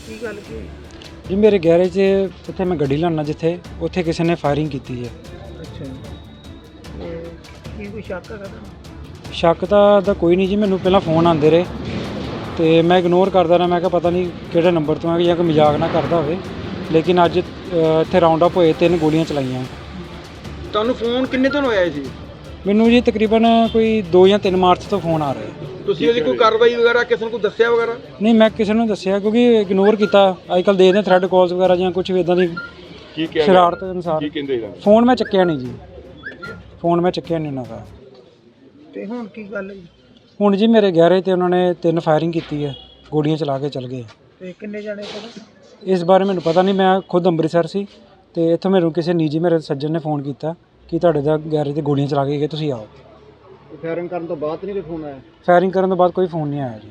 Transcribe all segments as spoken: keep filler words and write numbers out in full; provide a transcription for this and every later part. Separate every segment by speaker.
Speaker 1: ਕੀ ਗੱਲ ਕੀ
Speaker 2: ਜੀ ਮੇਰੇ ਗੈਰੇਜ 'ਚ ਜਿੱਥੇ ਮੈਂ ਗੱਡੀ ਲਾਉਣਾ ਜਿੱਥੇ ਉੱਥੇ ਕਿਸੇ ਨੇ ਫਾਇਰਿੰਗ ਕੀਤੀ ਹੈ।
Speaker 1: ਅੱਛਾ ਤੇ ਕੀ ਕੋਈ ਸ਼ੱਕ ਹੈਗਾ ਤੁਹਾਨੂੰ?
Speaker 2: ਸ਼ੱਕ ਤਾਂ ਦਾ ਕੋਈ ਨਹੀਂ ਜੀ, ਮੈਨੂੰ ਪਹਿਲਾਂ ਫੋਨ ਆਉਂਦੇ ਰਹੇ ਤੇ ਮੈਂ ਇਗਨੋਰ ਕਰਦਾ ਰਿਹਾ। ਮੈਂ ਕਿਹਾ ਪਤਾ ਨਹੀਂ ਕਿਹੜੇ ਨੰਬਰ ਤੋਂ ਹੈ ਜਾਂ ਕੋਈ ਮਜ਼ਾਕ ਨਾ ਕਰਦਾ ਹੋਵੇ, ਲੇਕਿਨ ਅੱਜ ਇੱਥੇ ਰਾਉਂਡ ਅਪ ਹੋਏ, ਤਿੰਨ ਗੋਲੀਆਂ ਚਲਾਈਆਂ।
Speaker 3: ਤੁਹਾਨੂੰ ਫੋਨ ਕਿੰਨੇ ਦਿਨ ਹੋਇਆ ਸੀ?
Speaker 2: ਮੈਨੂੰ ਜੀ ਤਕਰੀਬਨ ਕੋਈ ਦੋ ਜਾਂ ਤਿੰਨ ਮਾਰਚ ਤੋਂ ਫੋਨ ਆ ਰਿਹਾ।
Speaker 3: ਤੁਸੀਂ ਉਹਦੀ ਕੋਈ ਕਾਰਵਾਈ ਵਗੈਰਾ ਕਿਸੇ ਨੂੰ ਕੋਈ ਦੱਸਿਆ ਵਗੈਰਾ?
Speaker 2: ਨਹੀਂ, ਮੈਂ ਕਿਸੇ ਨੂੰ ਦੱਸਿਆ ਕਿਉਂਕਿ ਇਗਨੋਰ ਕੀਤਾ। ਅੱਜ ਕੱਲ੍ਹ ਦੇਖਦੇ ਥ੍ਰੈਡ ਕਾਲਸ ਵਗੈਰਾ ਜਾਂ ਕੁਝ ਵੀ ਇੱਦਾਂ ਦੀ
Speaker 4: ਕੀ ਕਿਹਾ
Speaker 2: ਸ਼ਰਾਰਤ ਅਨੁਸਾਰ।
Speaker 4: ਕੀ ਕਹਿੰਦੇ ਇਹਦਾ?
Speaker 2: ਫੋਨ ਮੈਂ ਚੱਕਿਆ ਨਹੀਂ ਜੀ, ਫੋਨ ਮੈਂ ਚੱਕਿਆ ਨਹੀਂ ਉਹਨਾਂ ਦਾ।
Speaker 1: ਤੇ ਹੁਣ ਕੀ ਗੱਲ ਹੈ ਜੀ?
Speaker 2: ਹੁਣ ਜੀ ਮੇਰੇ ਗੈਰੇਜ 'ਤੇ ਉਹਨਾਂ ਨੇ ਤਿੰਨ ਫਾਇਰਿੰਗ ਕੀਤੀ ਹੈ, ਗੋਲੀਆਂ ਚਲਾ ਕੇ ਚਲ ਗਏ।
Speaker 1: ਤੇ ਕਿੰਨੇ ਜਾਣੇ ਪਤਾ?
Speaker 2: ਇਸ ਬਾਰੇ ਮੈਨੂੰ ਪਤਾ ਨਹੀਂ, ਮੈਂ ਖੁਦ ਅੰਮ੍ਰਿਤਸਰ ਸੀ ਤੇ ਇੱਥੋਂ ਮੈਨੂੰ ਕਿਸੇ ਨਿੱਜੀ ਮੇਰੇ ਸੱਜਣ ਨੇ ਫੋਨ ਕੀਤਾ ਕਿ ਤੁਹਾਡੇ ਦਾ ਗੈਰੇਜ 'ਤੇ ਗੋਲੀਆਂ ਚਲਾ ਕੇ ਗਏ, ਤੁਸੀਂ ਆਓ।
Speaker 3: ਫਾਇਰਿੰਗ ਕਰਨ ਤੋਂ ਬਾਅਦ ਨਹੀਂ ਕੋਈ ਫੋਨ ਆਇਆ?
Speaker 2: ਫਾਇਰਿੰਗ ਕਰਨ ਤੋਂ ਬਾਅਦ ਕੋਈ ਫੋਨ ਨਹੀਂ ਆਇਆ ਜੀ।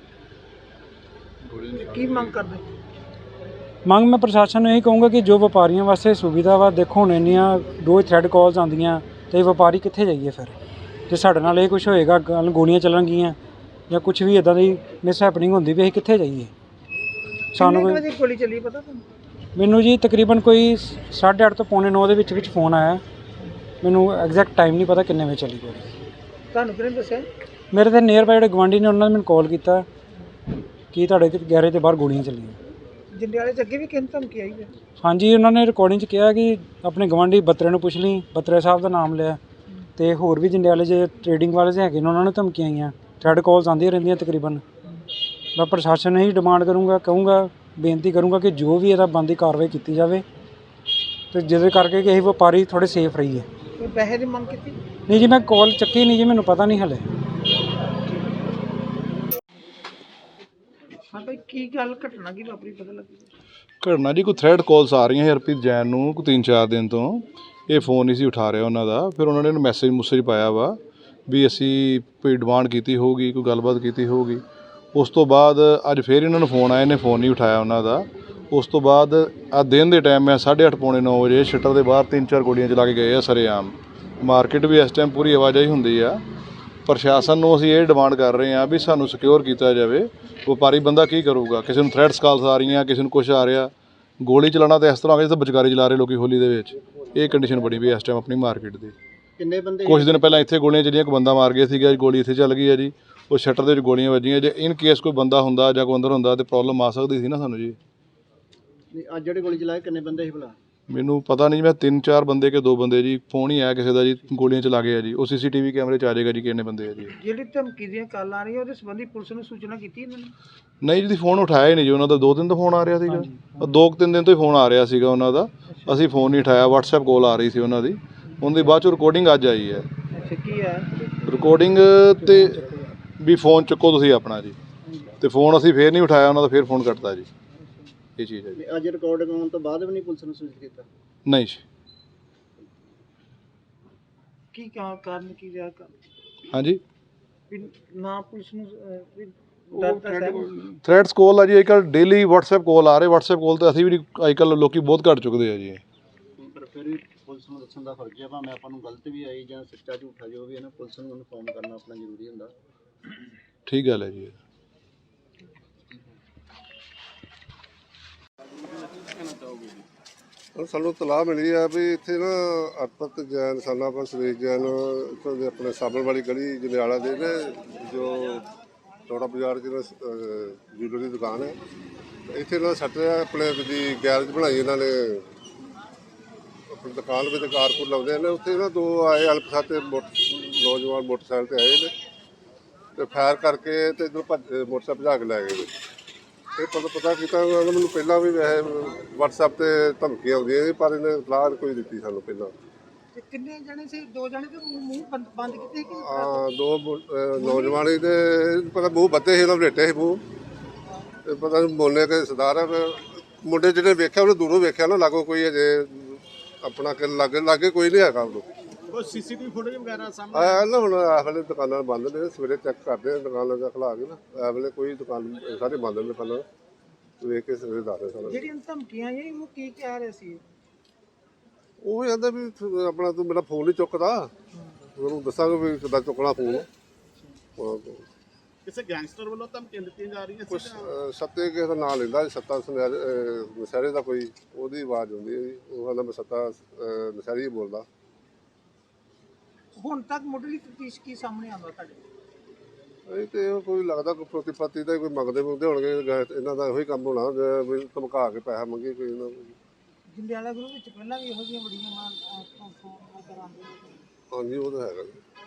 Speaker 1: ਕੀ ਮੰਗ ਕਰਦੇ?
Speaker 2: ਮੰਗ ਮੈਂ ਪ੍ਰਸ਼ਾਸਨ ਨੂੰ ਇਹੀ ਕਹੂੰਗਾ ਕਿ ਜੋ ਵਪਾਰੀਆਂ ਵਾਸਤੇ ਸੁਵਿਧਾ ਵਾ, ਦੇਖੋ ਹੁਣ ਇੰਨੀਆਂ ਰੋਜ਼ ਥ੍ਰੈਡ ਕਾਲਸ ਆਉਂਦੀਆਂ ਤੇ ਵਪਾਰੀ ਕਿੱਥੇ ਜਾਈਏ ਫਿਰ? ਜੇ ਸਾਡੇ ਨਾਲ ਇਹ ਕੁਝ ਹੋਏਗਾ, ਗੱਲ ਗੋਲੀਆਂ ਚੱਲਣਗੀਆਂ ਜਾਂ ਕੁਝ ਵੀ ਇੱਦਾਂ ਦੀ ਮਿਸ ਹੈਪਨਿੰਗ ਹੁੰਦੀ ਵੀ ਅਸੀਂ ਕਿੱਥੇ ਜਾਈਏ? ਸਾਨੂੰ
Speaker 1: ਕਿੰਨੇ
Speaker 2: ਕੋਈ
Speaker 1: ਵਜੇ ਗੋਲੀ ਚੱਲੀ ਪਤਾ ਤੁਹਾਨੂੰ?
Speaker 2: ਮੈਨੂੰ ਜੀ ਤਕਰੀਬਨ ਕੋਈ ਸਾਢੇ ਅੱਠ ਤੋਂ ਪੌਣੇ ਨੌ ਦੇ ਵਿੱਚ ਵਿੱਚ ਫੋਨ ਆਇਆ। ਮੈਨੂੰ ਐਗਜ਼ੈਕਟ ਟਾਈਮ ਨਹੀਂ ਪਤਾ ਕਿੰਨੇ ਵਜੇ ਚੱਲੀ ਗੋਲੀ।
Speaker 1: ਤੁਹਾਨੂੰ ਕਿਹਨੇ ਦੱਸਿਆ?
Speaker 2: ਮੇਰੇ ਤਾਂ ਨੀਅਰ ਬਾਈ ਜਿਹੜੇ ਗੁਆਂਢੀ ਨੇ ਉਹਨਾਂ ਨੇ ਮੈਨੂੰ ਕਾਲ ਕੀਤਾ ਕਿ ਤੁਹਾਡੇ ਗੈਰੇਜ 'ਤੇ ਬਾਹਰ ਗੋਲੀਆਂ ਚੱਲੀਆਂ।
Speaker 1: ਜੰਡਿਆਲੇ 'ਚ ਅੱਗੇ ਵੀ ਕਿੰਨ ਧਮਕੀ ਆਈ ਹੈ?
Speaker 2: ਹਾਂਜੀ, ਉਹਨਾਂ ਨੇ ਰਿਕਾਰਡਿੰਗ 'ਚ ਕਿਹਾ ਕਿ ਆਪਣੇ ਗੁਆਂਢੀ ਬੱਤਰੇ ਨੂੰ ਪੁੱਛ ਲਈ, ਬੱਤਰੇ ਸਾਹਿਬ ਦਾ ਨਾਮ ਲਿਆ ਤੇ ਹੋਰ ਵੀ ਜੰਡਿਆਲੇ 'ਚ ਟ੍ਰੇਡਿੰਗ ਵਾਲੇ ਹੈਗੇ ਨੇ, ਉਹਨਾਂ ਨੂੰ ਧਮਕੀਆਂ ਆਈਆਂ। ਥ੍ਰੈਡ ਕਾਲਸ ਆਉਂਦੀਆਂ ਰਹਿੰਦੀਆਂ ਤਕਰੀਬਨ। ਮੈਂ ਪ੍ਰਸ਼ਾਸਨ ਨੂੰ ਇਹੀ ਡਿਮਾਂਡ ਕਰੂੰਗਾ, ਕਹੂੰਗਾ, ਬੇਨਤੀ ਕਰੂੰਗਾ ਕਿ ਜੋ ਵੀ ਇਹਦਾ ਬਣਦੀ ਕਾਰਵਾਈ ਕੀਤੀ ਜਾਵੇ ਅਤੇ ਜਿਹਦੇ ਕਰਕੇ ਕਿ ਅਸੀਂ ਵਪਾਰੀ ਥੋੜ੍ਹੇ ਸੇਫ ਰਹੀਏ।
Speaker 1: ਕੋਈ ਪੈਸੇ ਦੀ ਮੰਗ ਕੀਤੀ?
Speaker 2: ਨਹੀਂ ਜੀ, ਮੈਂ ਕਾਲ ਚੱਕੀ ਨਹੀਂ ਜੀ, ਮੈਨੂੰ ਪਤਾ ਨਹੀਂ ਹਲੇ।
Speaker 1: ਹਾਂ ਭਾਈ, ਕੀ ਗੱਲ ਘਟਨਾ ਕੀ ਵਾਪਰੀ ਪਤਾ ਲੱਗੀ?
Speaker 4: ਘਟਨਾ ਜੀ ਕੋਈ ਥ੍ਰੈਡ ਕਾਲਸ ਆ ਰਹੀਆਂ ਹਰਪ੍ਰੀਤ ਜੈਨ ਨੂੰ ਕੋਈ ਤਿੰਨ ਚਾਰ ਦਿਨ ਤੋਂ। ਇਹ ਫੋਨ ਨਹੀਂ ਸੀ ਉਠਾ ਰਿਹਾ ਉਹਨਾਂ ਦਾ। ਫਿਰ ਉਹਨਾਂ ਨੇ ਇਹਨੂੰ ਮੈਸੇਜ ਮੁਸੇਜ ਪਾਇਆ ਵਾ ਵੀ ਅਸੀਂ ਕੋਈ ਡਿਮਾਂਡ ਕੀਤੀ ਹੋਊਗੀ, ਕੋਈ ਗੱਲਬਾਤ ਕੀਤੀ ਹੋਊਗੀ। ਉਸ ਤੋਂ ਬਾਅਦ ਅੱਜ ਫਿਰ ਇਹਨਾਂ ਨੂੰ ਫੋਨ ਆਇਆ, ਇਹਨੇ ਫੋਨ ਨਹੀਂ ਉਠਾਇਆ ਉਹਨਾਂ ਦਾ। ਉਸ ਤੋਂ ਬਾਅਦ ਆ ਦਿਨ ਦੇ ਟਾਈਮ ਮੈਂ ਸਾਢੇ ਅੱਠ ਪੌਣੇ ਨੌ ਵਜੇ ਸ਼ਟਰ ਦੇ ਬਾਹਰ ਤਿੰਨ ਚਾਰ ਗੋਲੀਆਂ ਚਲਾ ਕੇ ਗਏ ਆ ਸਰੇਆਮ। ਮਾਰਕੀਟ ਵੀ ਇਸ ਟਾਈਮ ਪੂਰੀ ਆਵਾਜਾਈ ਹੁੰਦੀ ਆ। ਪ੍ਰਸ਼ਾਸਨ ਨੂੰ ਅਸੀਂ ਇਹ ਡਿਮਾਂਡ ਕਰ ਰਹੇ ਹਾਂ ਵੀ ਸਾਨੂੰ ਸਿਕਿਉਰ ਕੀਤਾ ਜਾਵੇ। ਵਪਾਰੀ ਬੰਦਾ ਕੀ ਕਰੂਗਾ? ਕਿਸੇ ਨੂੰ ਥ੍ਰੈਡਸ ਕਾਲਸ ਆ ਰਹੀਆਂ, ਕਿਸੇ ਨੂੰ ਕੁਛ ਆ ਰਿਹਾ। ਗੋਲੀ ਚਲਾਉਣਾ ਤਾਂ ਇਸ ਤਰ੍ਹਾਂ ਹੋ ਗਿਆ ਜਿੱਦਾਂ ਵਿਚਕਾਰੀ ਚਲਾ ਰਹੇ ਲੋਕੀ ਹੋਲੀ ਦੇ ਵਿੱਚ। ਇਹ ਕੰਡੀਸ਼ਨ ਬਣੀ ਵੀ ਇਸ ਟਾਈਮ ਆਪਣੀ ਮਾਰਕੀਟ ਦੀ।
Speaker 3: ਕਿੰਨੇ ਬੰਦੇ?
Speaker 4: ਕੁਛ ਦਿਨ ਪਹਿਲਾਂ ਇੱਥੇ ਗੋਲੀਆਂ ਚੱਲੀਆਂ, ਇੱਕ ਬੰਦਾ ਮਾਰ ਗਿਆ ਸੀਗਾ, ਗੋਲੀ ਇੱਥੇ ਚੱਲ ਗਈ ਹੈ ਜੀ। ਉਹ ਸ਼ਟਰ ਦੇ ਵਿੱਚ ਗੋਲੀਆਂ ਵੱਜੀਆਂ। ਜੇ ਇਨ ਕੇਸ ਕੋਈ ਬੰਦਾ ਹੁੰਦਾ ਜਾਂ ਕੋਈ ਅੰਦਰ ਹੁੰਦਾ ਤਾਂ ਪ੍ਰੋਬਲਮ ਆ ਸਕਦੀ ਸੀ ਨਾ ਸਾਨੂੰ ਜੀ।
Speaker 3: ਅੱਜ ਜਿਹੜੇ ਗੋਲੀ ਚਲਾਏ ਕਿੰਨੇ ਬੰਦੇ ਸੀ ਭਲਾ?
Speaker 4: ਮੈਨੂੰ ਪਤਾ ਨਹੀਂ, ਮੈਂ ਤਿੰਨ ਚਾਰ ਬੰਦੇ ਕਿ ਦੋ ਬੰਦੇ ਜੀ। ਫੋਨ ਹੀ ਆਇਆ ਕਿਸੇ ਦਾ ਜੀ, ਗੋਲੀਆਂ ਚਲਾ ਗਏ ਆ ਜੀ। ਉਹ ਸੀ ਸੀ ਟੀ ਵੀ ਕੈਮਰੇ 'ਚ ਆ ਜਾਏਗਾ ਜੀ ਕਿੰਨੇ ਬੰਦੇ ਆ ਜੀ।
Speaker 1: ਜਿਹੜੀ ਧਮਕੀ ਦੀਆਂ ਕਾਲਾਂ ਆ ਰਹੀਆਂ ਉਹਦੇ ਸੰਬੰਧੀ ਪੁਲਿਸ ਨੂੰ ਸੂਚਨਾ ਕੀਤੀ ਇਹਨਾਂ ਨੇ?
Speaker 4: ਨਹੀਂ ਜੀ, ਫੋਨ ਉਠਾਇਆ ਹੀ ਨਹੀਂ ਜੀ ਉਹਨਾਂ ਦਾ। ਦੋ ਦਿਨ ਤੋਂ ਫੋਨ ਆ ਰਿਹਾ ਸੀਗਾ, ਦੋ ਕੁ ਤਿੰਨ ਦਿਨ ਤੋਂ ਹੀ ਫੋਨ ਆ ਰਿਹਾ ਸੀਗਾ ਉਹਨਾਂ ਦਾ। ਅਸੀਂ ਫੋਨ ਨਹੀਂ ਉਠਾਇਆ। ਵਟਸਐਪ ਕਾਲ ਆ ਰਹੀ ਸੀ ਉਹਨਾਂ ਦੀ, ਉਹਨਾਂ ਦੀ ਬਾਅਦ 'ਚੋਂ ਰਿਕਾਰਡਿੰਗ ਅੱਜ ਆਈ ਹੈ।
Speaker 1: ਅੱਛਾ, ਕੀ ਹੈ
Speaker 4: ਰਿਕਾਰਡਿੰਗ 'ਤੇ ਵੀ ਫੋਨ ਚੁੱਕੋ ਤੁਸੀਂ ਆਪਣਾ ਜੀ। ਅਤੇ ਫੋਨ ਅਸੀਂ ਫੇਰ ਨਹੀਂ ਉਠਾਇਆ ਉਹਨਾਂ ਦਾ, ਫਿਰ ਫੋਨ ਕੱਟਤਾ ਜੀ। ਇਹ ਚੀਜ਼ ਹੈ ਜੀ।
Speaker 3: ਅੱਜ ਰਿਕਾਰਡਿੰਗ ਆਉਣ ਤੋਂ ਬਾਅਦ ਵੀ ਨਹੀਂ ਪੁਲਿਸ ਨੂੰ ਸੂਚਿਤ ਕੀਤਾ?
Speaker 4: ਨਹੀਂ ਜੀ।
Speaker 1: ਕੀ ਕਾ- ਕਾਰਨ ਕੀ ਰਿਹਾ?
Speaker 4: ਹਾਂਜੀ,
Speaker 1: ਵੀ ਨਾ ਪੁਲਿਸ ਨੂੰ ਅਹ, ਵੀ ਡਰ ਦਾ ਸਹਿਮ?
Speaker 4: ਥ੍ਰੈਡਸ ਕਾਲ ਆ ਜੀ। ਅੱਜ ਕੱਲ੍ਹ ਡੇਲੀ ਵਟਸਐਪ ਕਾਲ ਆ ਰਹੇ। ਵਟਸਐਪ ਕਾਲ 'ਤੇ ਅਸੀਂ ਵੀ ਅੱਜ ਕੱਲ੍ਹ ਲੋਕੀ ਬਹੁਤ ਘੱਟ ਚੁੱਕਦੇ ਆ ਜੀ।
Speaker 3: ਪਰ ਫਿਰ ਵੀ ਪੁਲਿਸ ਨੂੰ ਦੱਸਣ ਦਾ ਫਰਜ਼ ਹੈ। ਭਾਵੇਂ ਆਪਾਂ ਨੂੰ ਗਲਤ ਵੀ ਆਈ ਜਾਂ ਸੱਚਾ ਝੂਠਾ ਜੋ ਵੀ ਹੈ ਨਾ, ਪੁਲਿਸ ਨੂੰ ਇਨਫੋਰਮ ਕਰਨਾ ਆਪਣਾ ਜ਼ਰੂਰੀ ਹੁੰਦਾ।
Speaker 4: ਠੀਕ ਗੱਲ ਹੈ ਜੀ।
Speaker 5: ਸਾਨੂੰ ਤਲਾਹ ਮਿਲੀ ਆ ਵੀ ਇੱਥੇ ਨਾ ਅਰਪਤ ਜੈਨ ਸਾਨਾ ਪਰ ਸੁਰੇਸ਼ ਜੈਨ ਇੱਥੋਂ ਦੇ ਆਪਣੇ ਸਾਬਣ ਵਾਲੀ ਗਲੀ ਜੰਡਿਆਲਾ ਦੇ ਨੇ, ਜੋ ਚੌੜਾ ਬਾਜ਼ਾਰ 'ਚ ਨਾ ਜੂਲਰੀ ਦੀ ਦੁਕਾਨ ਹੈ। ਇੱਥੇ ਨਾ ਸੱਟ ਆਪਣੇ ਦੀ ਗੈਰੇਜ ਬਣਾਈ ਇਹਨਾਂ ਨੇ, ਆਪਣੀ ਦੁਕਾਨ ਵਿੱਚ ਕਾਰਪੂਰ ਲਾਉਂਦੇ ਨੇ। ਉੱਥੇ ਨਾ ਦੋ ਆਏ ਅਲਪਸਾਤੇ ਨੌਜਵਾਨ ਮੋਟਰਸਾਈਕਲ 'ਤੇ ਆਏ ਨੇ ਅਤੇ ਫਾਇਰ ਕਰਕੇ ਅਤੇ ਇੱਧਰ ਭੱਜ ਮੋਟਰਸਾਈਕਲ ਭਜਾ ਕੇ ਲੈ ਗਏ ਨੇ। ਇਹ ਪਤਾ ਪਤਾ ਕੀਤਾ ਉਹਨਾਂ ਨੇ ਮੈਨੂੰ ਪਹਿਲਾਂ ਵੀ ਵੈਸੇ ਵਟਸਐਪ 'ਤੇ ਧਮਕੀਆਂ ਆਉਂਦੀਆਂ ਸੀ, ਪਰ ਇਹਨੇ ਇਤਲਾਹ ਕੋਈ ਦਿੱਤੀ ਸਾਨੂੰ ਪਹਿਲਾਂ।
Speaker 1: ਤੇ ਕਿੰਨੇ ਜਣੇ ਸੀ? ਦੋ ਜਣੇ ਤੇ ਮੂੰਹ ਬੰਦ ਬੰਦ ਕੀਤੇ ਕਿ?
Speaker 5: ਹਾਂ, ਦੋ ਨੌਜਵਾਨ ਸੀ ਤੇ ਪਤਾ ਮੂੰਹ ਬੱਧੇ ਸੀ, ਉਹਨਾਂ ਵਲੇਟੇ ਸੀ ਮੂੰਹ। ਤੇ ਪਤਾ ਨਹੀਂ ਬੋਲਨੇ ਕਿ ਸਰਦਾਰ ਹੈ। ਮੁੰਡੇ ਜਿਹੜੇ ਵੇਖਿਆ ਉਹਨੇ ਦੂਰੋਂ ਵੇਖਿਆ ਨਾ, ਲਾਗੋ ਕੋਈ ਅਜੇ ਆਪਣਾ ਕਿ ਲਾਗੇ ਲਾਗੇ ਕੋਈ ਨਹੀਂ ਹੈਗਾ ਉਹਨੂੰ।
Speaker 3: ਕੋਈ ਸੀਸੀਟੀਵੀ ਫੁਟੇਜ ਵਗੈਰਾ ਸਾਹਮਣੇ
Speaker 5: ਆਇਆ ਨਾ ਹੁਣ ਇਸ ਵੇਲੇ ਦੁਕਾਨਾਂ ਬੰਦ ਨੇ, ਸਵੇਰੇ ਚੈੱਕ ਕਰਦੇ ਹਾਂ ਦੁਕਾਨਾਂ ਦਾ ਖੁਲਾ ਕੇ ਨਾ। ਇਸ ਵੇਲੇ ਕੋਈ ਦੁਕਾਨ ਸਾਰੇ ਬੰਦ ਨੇ ਦੁਕਾਨਾਂ, ਵੇਖ ਕੇ ਸਵੇਰੇ ਦੱਸਦੇ ਸਾਨੂੰ।
Speaker 1: ਜਿਹੜੀਆਂ ਧਮਕੀਆਂ ਆਈਆਂ ਉਹ ਕੀ ਕਹਿ ਰਹੇ ਸੀ?
Speaker 5: ਉਹ ਵੀ ਕਹਿੰਦਾ ਵੀ ਆਪਣਾ ਤੂੰ ਮੇਰਾ ਫੋਨ ਨਹੀਂ ਚੁੱਕਦਾ, ਉਹਨੂੰ ਦੱਸਾਂਗੇ ਵੀ ਕਿੱਦਾਂ ਚੁੱਕਣਾ ਫੋਨ।
Speaker 6: ਕਿਸੇ ਗੈਂਗਸਟਰ ਵੱਲੋਂ ਧਮਕੀਆਂ ਦਿੱਤੀਆਂ ਜਾ ਰਹੀਆਂ
Speaker 5: ਕੁਛ
Speaker 6: ਸੀ
Speaker 5: ਅਹ, ਸੱਤੇ ਕਿਸੇ ਦਾ ਨਾਂ ਲੈਂਦਾ ਜੀ, ਸੱਤਾ ਸੁਨਿਆਰੇ ਅਹ, ਨਸ਼ਹਿਰੇ ਦਾ ਕੋਈ ਉਹਦੀ ਆਵਾਜ਼ ਆਉਂਦੀ ਹੈ ਜੀ, ਉਹ ਕਹਿੰਦਾ ਮੈਂ ਸੱਤਾ ਅਹ, ਨਸ਼ਹਿਰੀ ਹੀ ਬੋਲਦਾ।
Speaker 1: ਹੁਣ ਤੱਕ ਮੁੱਢਲੀ ਤਫਤੀਸ਼ ਕੀ ਸਾਹਮਣੇ ਆਉਂਦਾ ਤੁਹਾਡੇ?
Speaker 5: ਇਹ ਤੇ ਉਹ ਕੋਈ ਲੱਗਦਾ ਕੋਈ ਪ੍ਰਤੀਪਤੀ ਦਾ ਹੀ ਕੋਈ ਮੰਗਦੇ ਮੁੰਗਦੇ ਹੋਣਗੇ, ਗੈ- ਇਹਨਾਂ ਦਾ ਇਹੋ ਹੀ ਕੰਮ ਹੋਣਾ ਜੇ ਵੀ ਧਮਕਾ ਕੇ ਪੈਸਾ ਮੰਗੀ ਕੋਈ ਇਹਨਾਂ ਨੂੰ।
Speaker 1: ਜੰਡਿਆਲਾ ਗਰੁੱਪ ਵਿੱਚ ਪਹਿਲਾਂ ਵੀ ਇਹੋ ਜਿਹੀਆਂ ਬੜੀਆਂ ਮਾਂ ਕਰਾਉਂਦੇ।
Speaker 5: ਹਾਂਜੀ ਉਹ ਤਾਂ ਹੈਗਾ ਜੀ।